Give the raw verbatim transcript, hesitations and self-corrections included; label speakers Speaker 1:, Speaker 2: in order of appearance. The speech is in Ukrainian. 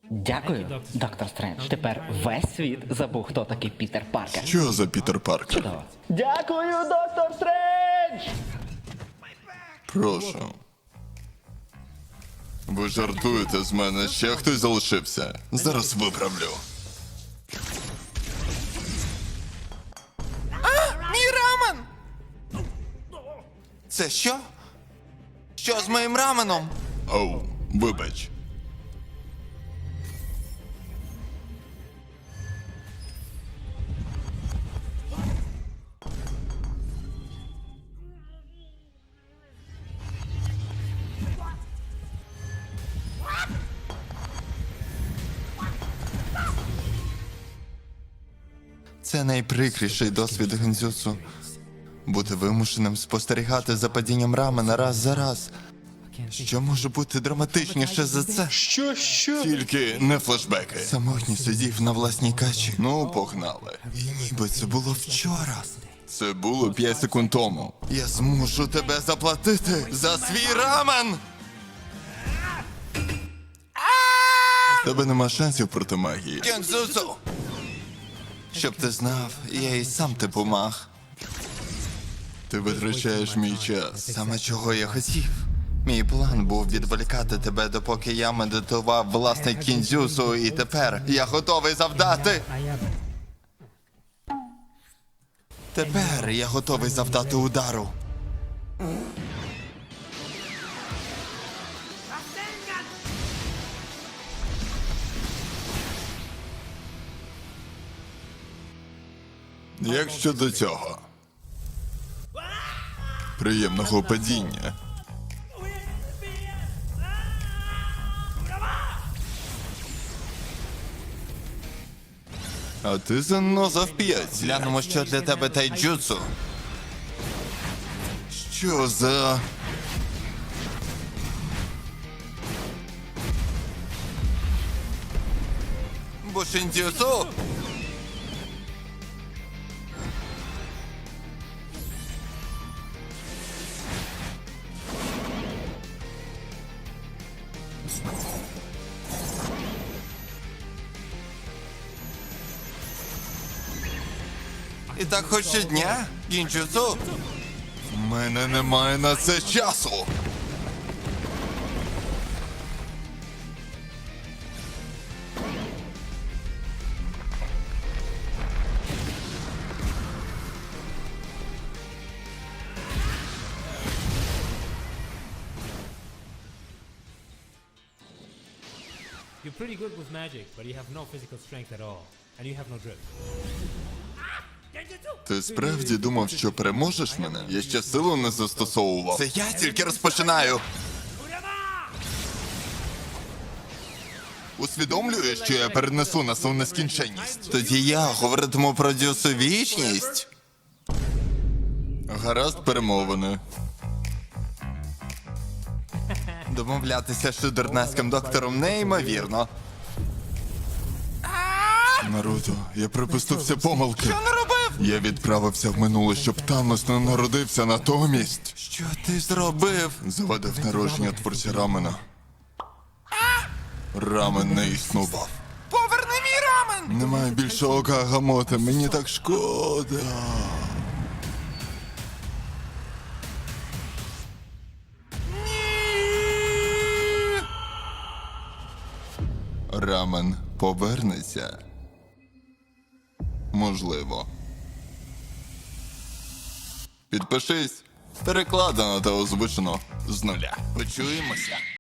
Speaker 1: Дякую, доктор Стрендж. Тепер весь світ забув, хто такий Пітер Паркер.
Speaker 2: Що за Пітер Паркер?
Speaker 1: Чудово. Дякую, доктор Стрендж!
Speaker 2: Прошу. Ви жартуєте з мене, ще хтось залишився. Зараз виправлю.
Speaker 3: Мій рамен! Це що? Що з моїм раменом?
Speaker 2: Оу, вибач.
Speaker 3: Це найприкріший досвід гензюцу. Бути вимушеним спостерігати за падінням рамена раз за раз. Що може бути драматичніше за це?
Speaker 2: Що, що? Тільки не флешбеки.
Speaker 3: Самотній сидів на власній качі. Ну, погнали. І ніби це було вчора.
Speaker 2: Це було п'ять секунд тому.
Speaker 3: Я змушу тебе заплатити за свій рамен!
Speaker 2: В тебе нема шансів проти магії.
Speaker 3: Гензюцу! Щоб ти знав, я і сам типу маг.
Speaker 2: Ти витрачаєш мій час.
Speaker 3: Саме чого я хотів. Мій план був відволікати тебе, допоки я медитував власне кінзюсу, і тепер я готовий завдати. Тепер я готовий завдати удару.
Speaker 2: Як щодо цього? Приємного падіння. А ти заноза в п'ятці.
Speaker 3: Глянемо, що для тебе тайджутсу.
Speaker 2: Що за...
Speaker 3: Бушіндзюсу! І так хоч щодня, гінджутсу.
Speaker 2: У мене немає на це часу.
Speaker 4: You're pretty good with magic, but you have no physical strength at all. And you have no grip.
Speaker 2: Ти справді думав, що переможеш мене? Я ще силу не застосовував.
Speaker 3: Це я тільки розпочинаю.
Speaker 2: Усвідомлюєш, що я перенесу нас у нескінченність?
Speaker 3: Тоді я говоритиму про дюсу вічність.
Speaker 2: Гаразд, перемовини.
Speaker 3: Домовлятися з шудернацьким доктором неймовірно.
Speaker 2: Наруто, я припустився помилки.
Speaker 3: Що наробив?
Speaker 2: Я відправився в минуле, щоб Танос не народився натомість.
Speaker 3: Що ти зробив?
Speaker 2: Завадив народження творця рамена. Рамен не існував.
Speaker 3: Поверни мій рамен!
Speaker 2: Немає більше ока Гамота, мені так шкода. Рамен повернеться. Можливо. Підпишись. Перекладено та озвучено з нуля. Почуємося.